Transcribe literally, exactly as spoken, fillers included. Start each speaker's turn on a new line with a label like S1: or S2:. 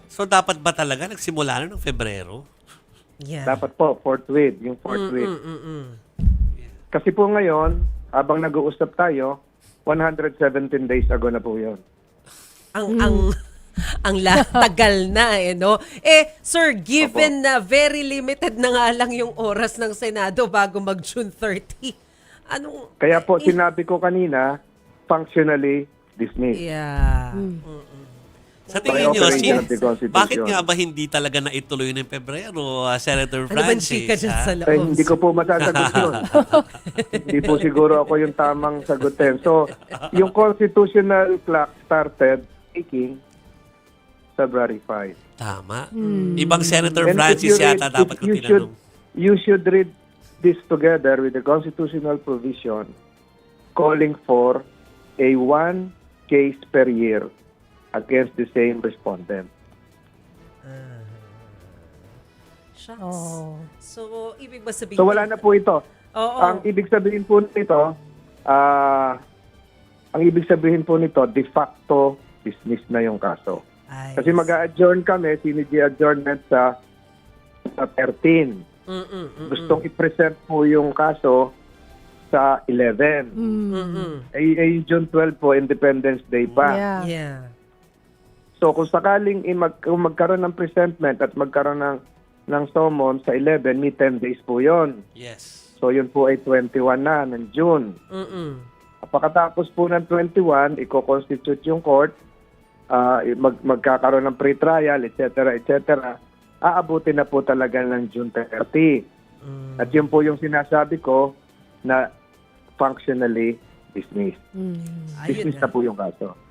S1: So, dapat ba talaga nagsimula na ng Febrero?
S2: Yeah.
S3: Dapat po, forthwith, yung forthwith.
S2: Mm, mm, mm.
S3: Kasi po ngayon, habang nag-uusap tayo, one hundred seventeen days ago na po yun.
S2: Ang ang ang la, tagal na eh, no? Eh, sir, given na very limited na nga lang yung oras ng Senado bago mag-June thirty, anong...
S3: Kaya po,
S2: eh,
S3: sinabi ko kanina, functionally dismissed.
S2: Yeah.
S1: Sa
S3: By
S1: tingin nyo,
S3: operation
S1: sin-
S3: of the Constitution.
S1: bakit nga ba hindi talaga naituloy ng Pebrero, uh, Senator
S2: Ano ba
S1: Francis?
S2: chika dyan
S1: ha?
S2: sa
S3: Eh,
S2: loob?
S3: hindi ko po masasagot yun. Hindi po siguro ako yung tamang sagutin. So, yung constitutional clock started ticking February fifth.
S1: Tama. Ibang Senator
S3: And if
S1: Francis
S3: you read-
S1: yata dapat
S3: if
S1: ko
S3: you should,
S1: tinanong.
S3: you should read this together with the constitutional provision calling for a one case per year against the same respondent.
S2: Shucks.
S4: Oh.
S2: So, ibig ba sabihin...
S3: So, wala na po ito.
S2: Oo.
S3: Ang ibig sabihin po nito, ah, ang ibig sabihin po nito, de facto dismiss na yung kaso.
S2: Ay,
S3: Kasi mag-a-adjourn kami, sinigi-adjournment sa, sa thirteen.
S2: Mm, mm, mm,
S3: Gustong i-present po yung kaso sa eleven.
S4: Mm.
S2: mm, mm.
S3: Ay, ay June twelve po, Independence Day pa.
S4: Yeah.
S2: Yeah.
S3: So kung sakaling i- mag, kung magkaroon ng presentment at magkaroon ng, ng summon sa eleven, may ten days po yon.
S1: Yes.
S3: So yun po ay twenty-one na ng June.
S2: Mm, mm.
S3: Pagkatapos po ng twenty-one, i-constitute yung court, ah, mag, magkakaroon ng pre-trial, et cetera, et cetera. Aabutin na po talaga ng June thirty.
S2: Mm.
S3: At yun po yung sinasabi ko na functionally dismissed.
S4: Mm.
S2: Ayun
S3: Dismissed na po yung kaso.